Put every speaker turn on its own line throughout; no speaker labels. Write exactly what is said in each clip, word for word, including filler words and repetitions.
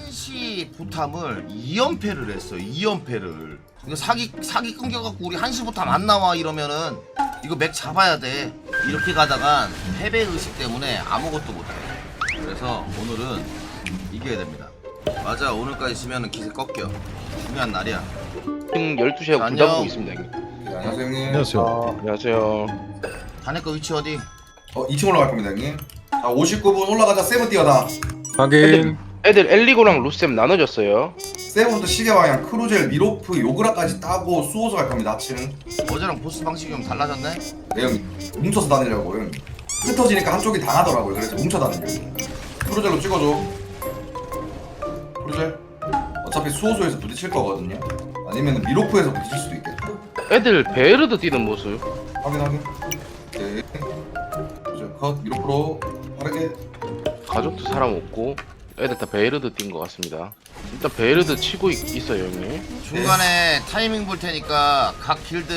한시 보탐을 이 연패를 했어. 이 연패를. 이거 사기 사기 끊겨갖고 우리 한시 보탐 안 나와 이러면은 이거 맥 잡아야 돼. 이렇게 가다간 패배 의식 때문에 아무것도 못해. 그래서 오늘은 이겨야 됩니다. 맞아, 오늘까지 지면은 기세 꺾여. 중요한 날이야.
지금 열두 시에
자,
군 잡고
안녕.
있습니다 형님.
네, 안녕하세요 형님.
안녕하세요.
안녕하세요.
자네 거 위치 어디?
어 이 층 올라갈 겁니다 형님. 자 오십구 분 올라가자. 세븐 뛰어다.
확인.
애들 엘리고랑 루셈 나눠졌어요.
세븐부터 시계 방향 크루젤 미로프 요그라까지 따고 수호소 갈 겁니다. 아침.
어제랑 보스 방식이 좀 달라졌네?
네 형님. 뭉쳐서 다니려고 형님. 흩어지니까 한쪽이 당하더라고요. 그래서 뭉쳐 다니려고. 크루젤로 찍어줘. 크루젤. 어차피 수호소에서 부딪힐 거거든요. 아니면 미로프에서 부딪힐 수도 있겠다.
애들 베르드 뛰는 모습.
확인 확인. 오케이. 크루젤 컷. 미로프로 빠르게.
가족도 사람 없고 애들 다 베르드 뛴 것 같습니다. 일단 베르드 치고 있, 있어요 형님.
중간에 타이밍 볼 테니까 각 길드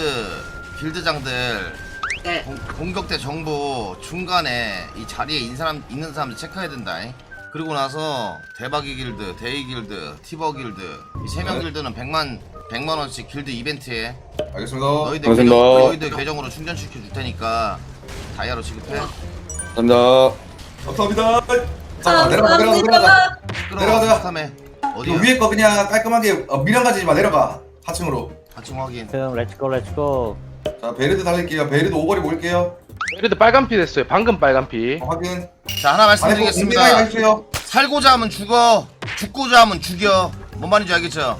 길드장들
네.
공, 공격대 정보 중간에 이 자리에 있는 사람 있는 사람들 체크해야 된다. 그리고 나서 대박이 길드, 데이 길드, 티버 길드 이 세 명
네.
길드는 백만 백만 원씩 길드 이벤트에
알겠습니다.
너희들
감사합니다.
계정, 너희들 계정으로 충전시켜 줄 테니까 다이아로 지급해.
감사합니다.
감사합니다. 자 내려가 내려가 내려가. 내려가자.
탐에
이거
어디야?
위에 거 그냥 깔끔하게 어, 미련 가지지 마. 내려가. 하층으로.
하층 확인.
그럼 렛츠고 렛츠고.
자 베르드 달릴게요. 베르드 오거리 모을게요.
베르드 빨간 피 됐어요. 방금 빨간 피.
어, 확인.
자, 하나
안에 거
말씀드리겠습니다.
해주세요.
살고자 하면 죽어, 죽고자 하면 죽여. 뭔 말인지 알겠죠?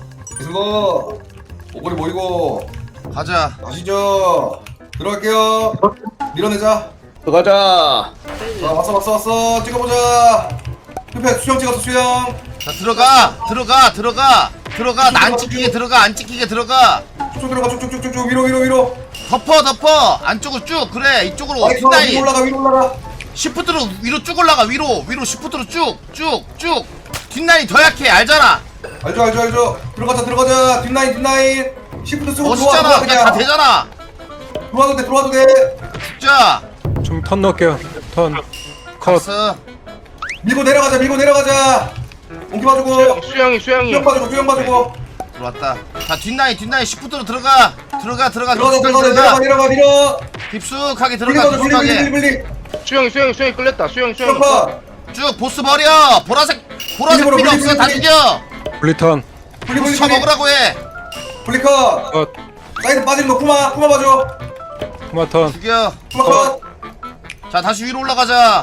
그거 오거리 모이고
가자.
가시죠. 들어갈게요. 밀어내자.
들어가자.
자 왔어 왔어 왔어. 찍어보자. 흡해 수영 찍었어 수영.
자, 들어가, 들어가, 들어가, 들어가. 나 안 찍히게 들어가, 안 찍히게 들어가.
쭉쭉 들어가 쭉쭉쭉쭉 위로 위로 위로.
덮어, 덮어. 안쪽으로 쭉. 그래, 이쪽으로.
아이 위로
뒷다이.
올라가 위로 올라가.
시프트로 위로 쭉 올라가. 위로, 위로 시프트로 쭉, 쭉, 쭉. 뒷라인 더 약해, 알잖아.
알죠 알죠 알죠. 들어가자 들어가자. 뒷라인 뒷라인. 시프트 쓰고 들어와
멋있잖아.
들어와
그냥 다 되잖아.
들어와도 돼 들어와도 돼.
자,
좀 턴 넣을게요. 턴. 컷.
갔어.
밀고 내려가자 밀고 내려가자. 옹기 봐주고.
수영이 수영이.
수영 봐주고 수영 봐주고.
들어왔다. 자, 뒷라인, 뒷라인 시프트로 들어가. 들어가, 들어가,
들어가자
깊숙하게
들어가자 내려가 내려가 밀어.
깊숙하게
밀리
들어가,
봐줘 밀리 밀리
깊숙하게.
밀리 밀리.
수영이 수영이 수영이 끌렸다. 수영이 수영이.
수영파.
쭉 보스 버려. 보라색, 보라색
밀리,
필요
밀리,
없어. 다
밀리.
죽여.
블리턴.
블리
보스
블리
쳐
블리.
먹으라고 해.
블리커.
컷.
사이드 빠지는 거 쿠마 쿠마 봐줘.
토마턴.
죽여.
쿠마 컷.
자, 다시 위로 올라가자.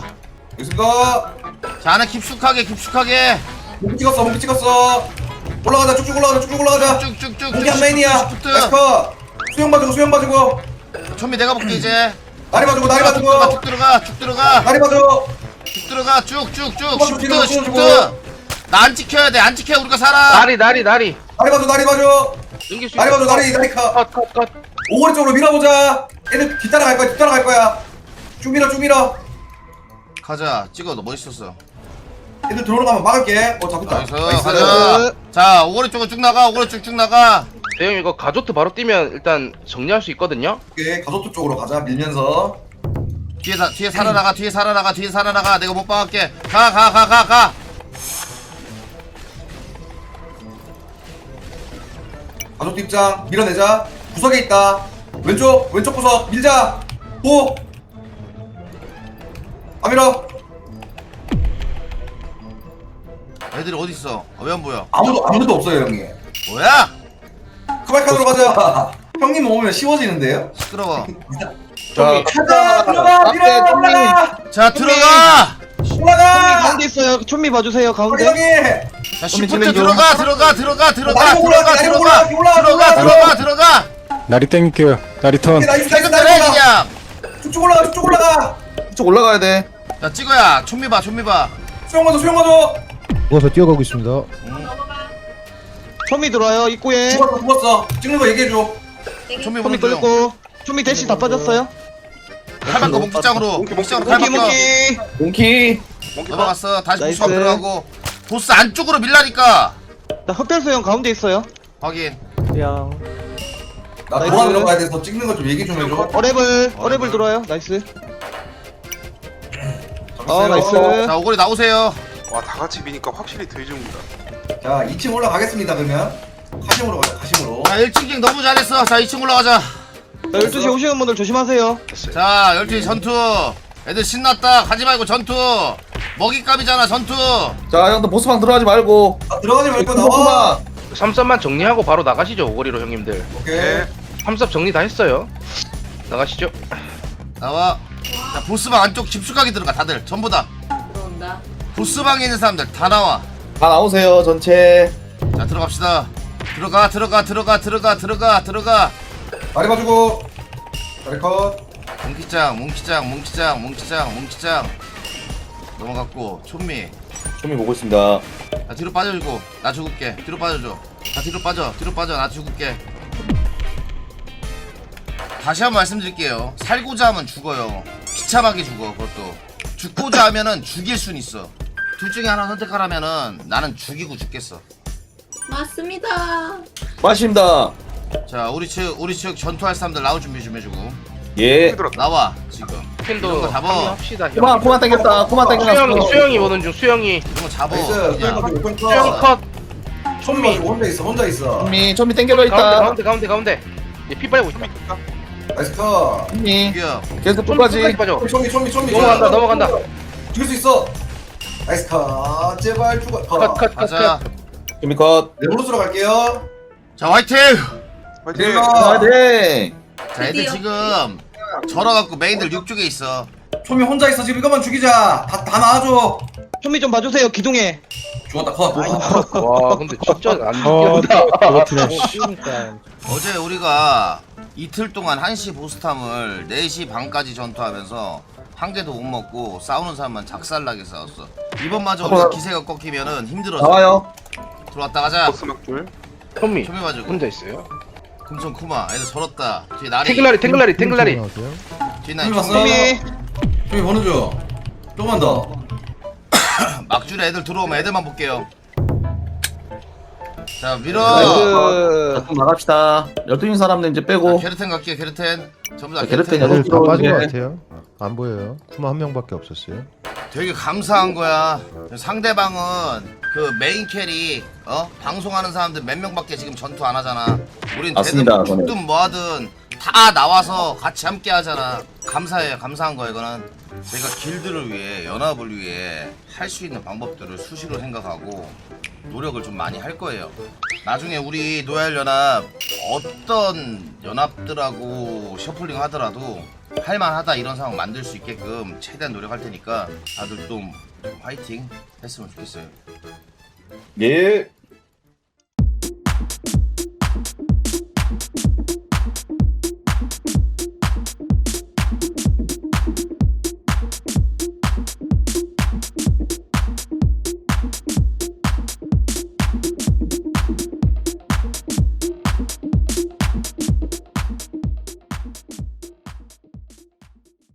됐습니다.
자, 안에 깊숙하게, 깊숙하게.
목기 찍었어 목기 찍었어. 올라가자 쭉쭉 올라가자 쭉쭉 올라가자.
쭉쭉쭉.
목기 한 메인이야. 나이스 컷. 수영 봐주고 수영 봐주고.
천미 내가 볼게 이제.
다리 봐주고 다리
쭉 들어가,
봐주고.
쭉 들어가, 쭉 들어가,
다리 봐줘.
쭉 들어가, 쭉쭉쭉.
한번
시프트,
찍어,
시프트.
찍어주고.
나 안 찍혀야 돼. 안 찍혀 우리가 살아.
다리 다리 다리.
다리 봐줘 다리 봐줘.
연기 수.
다리 봐줘 다리 다리 컷.
컷컷 컷.
오거리 쪽으로 밀어보자. 애들 뒤따라갈 거야 뒤따라갈 거야. 쭉 밀어 쭉 밀어.
가자. 찍어. 너 멋있었어.
애들 들어오는 거 한번 막을게. 어 잡았다.
나이스. 가자. 자, 오거리 쪽으로 쭉 나가. 오거리 쭉쭉 나가.
대형 이거 가조트 바로 뛰면 일단 정리할 수 있거든요.
오케이 가족도 쪽으로 가자 밀면서.
뒤에 사, 뒤에 살아나가. 뒤에 살아나가. 뒤에 살아나가. 내가 못 박을게. 가, 가, 가, 가, 가.
가족도 입장 밀어내자. 구석에 있다. 왼쪽 왼쪽 구석 밀자. 오. 아 밀어.
애들이 어디 있어? 어, 왜 안 보여?
아무도 아무도 없어요 형님.
뭐야?
크발칸으로 가자. 형님 오면 쉬워지는데요?
시끄러워.
자,
가자 들어가 밀어
앞에 똥님.
올라가
자, 들어가.
올라가.
가운데 있어요. 촌미 봐주세요.
우리
가운데.
형님.
자, 시프트 들어가, 들어가, 들어가, 들어가,
날이
들어가,
올라가,
들어가,
날이 올라가,
들어가,
올라가,
들어가, 들어가.
나리 땡길게요. 나리 턴.
오케이, 나이스 나이스
퇴근을 해
나이스.
그냥.
쭉쭉 올라가 쭉쭉 올라가.
이쪽 올라가야 돼.
자, 찍어야. 촌미 봐, 촌미 봐.
수영 가줘 수영 가줘.
누워서 뛰어가고 있습니다.
촌미 들어와요. 입구에.
죽었어 죽었어. 찍는 거 얘기해 줘.
촌미
촌미
보는 중.
끌고. 촌미 대시 다 빠졌어요.
칼바꿔 목기장으로. 목기장으로
몽키
칼바꿔.
몽키.
몽키.
넘어갔어. 다시
나이스.
보수업 들어가고. 보스 안쪽으로 밀라니까.
나 흑별소 형 가운데 있어요.
확인.
양.
나
나이스.
돌아 들어가야 돼서 찍는 거 좀 얘기 좀 해줘.
어레블. 어레블 들어와요. 나이스. 아
잡았어요.
나이스.
자, 오거리 나오세요.
와 다 같이 미니까 확실히 덜 죽는다.
자 이 층 올라가겠습니다 그러면. 카심으로 가자 카심으로.
자 일 층 갱 너무 잘했어. 자 이 층 올라가자.
자, 열두 시 오시는 분들 조심하세요.
됐어요.
자 열두 시 전투. 애들 신났다. 가지 말고 전투. 먹잇감이잖아 전투.
자 형들 보스방 들어가지 말고.
아, 들어가지 말고 나와.
보스방.
삼섭만 정리하고 바로 나가시죠 오거리로 형님들.
오케이.
네.
삼섭 정리 다 했어요. 나가시죠.
나와. 자 보스방 안쪽 깊숙하게 들어가. 다들 전부 다.
들어온다.
보스방에 있는 사람들 다 나와.
다 나오세요 전체.
자 들어갑시다. 들어가 들어가 들어가 들어가 들어가 들어가.
다리 봐주고. 다리 컷.
뭉키짱 뭉키짱 뭉키짱 뭉키짱 뭉키짱. 넘어갔고 촌미.
좀이 보고 있습니다.
나 뒤로 빠져주고 나 죽을게. 뒤로 빠져줘. 나 뒤로 빠져. 뒤로 빠져. 나 죽을게. 다시 한 번 말씀드릴게요. 살고자 하면 죽어요. 비참하게 죽어. 그것도 죽고자 하면은 죽일 순 있어. 둘 중에 하나 선택하라면은 나는 죽이고 죽겠어.
맞습니다.
맞습니다.
자 우리 측 우리 측 전투할 사람들 나올 준비 좀 해주고.
예.
들었다.
나와 지금. 이런
캔도
거 잡아.
합류합시다.
코만 코만 당겼다. 코만
수영이
당겼어.
수영이 보는 중 수영이.
이런 거 잡아.
나이스.
그냥.
오픈
수영이
컷.
컷.
촌미 혼자 있어 혼자 있어.
좀이 좀이 당겨져
가운데
있다.
가운데 가운데 가운데. 얘피 빨고 있다.
나이스 컷.
좀이
죽여.
계속
끝까지
끝까지.
빠져.
촌미 촌미 촌미.
넘어간다 넘어간다.
죽일 수 있어. 나이스 컷. 제발 죽어. 컷.
컷컷컷
가자.
좀이 컷.
레몬으로 갈게요.
자 화이팅.
화이팅!
내가
아 네.
자 애들
드디어.
지금 절어갖고 메인들 육 쪽에 있어.
촌미 혼자 있어 지금 이것만 죽이자. 다 다 나와줘.
좀비 좀 봐주세요. 기둥에.
죽었다 컷.
와 근데 진짜 안
어,
죽겠다.
그렇구나.
어제 우리가 이틀 동안 한 시 보스탐을 네 시 반까지 전투하면서 한 개도 못 먹고 싸우는 사람만 작살나게 싸웠어. 이번마저 우리가 기세가 꺾이면은 힘들어져.
나와요.
들어왔다 가자.
보스 막줄.
현미
초미 봐주고.
혼자 있어요.
금손 쿠마 애들 절었다. 뒤에 나리.
탱글라리 탱글라리 탱글라리.
뒤에 나리.
촌미 봤어?
좀비.
촌미 보는 중. 조금만 더.
막줄에 애들 들어오면 애들만 볼게요. 자 밀어.
나이스.
좀 나갑시다. 열두 인 사람들 이제
자,
빼고.
게르텐 갈게요. 게르텐. 전부 다
자, 게르텐
게르텐.
여덟
다 빠진 것
예.
같아요. 안 보여요. 쿠마 한 명밖에 없었어요.
되게 감사한 거야. 상대방은 그 메인 캐리 어 방송하는 사람들 몇 명밖에 지금 전투 안 하잖아. 우린
맞습니다,
되든 죽든 뭐하든 다 나와서 같이 함께 하잖아. 감사해요. 감사한 거 이거는. 저희가 길드를 위해 연합을 위해 할 수 있는 방법들을 수시로 생각하고 노력을 좀 많이 할 거예요. 나중에 우리 노얄 연합 어떤 연합들하고 셔플링 하더라도 할만하다 이런 상황 만들 수 있게끔 최대한 노력할 테니까 다들 좀 화이팅 했으면 좋겠어요.
예.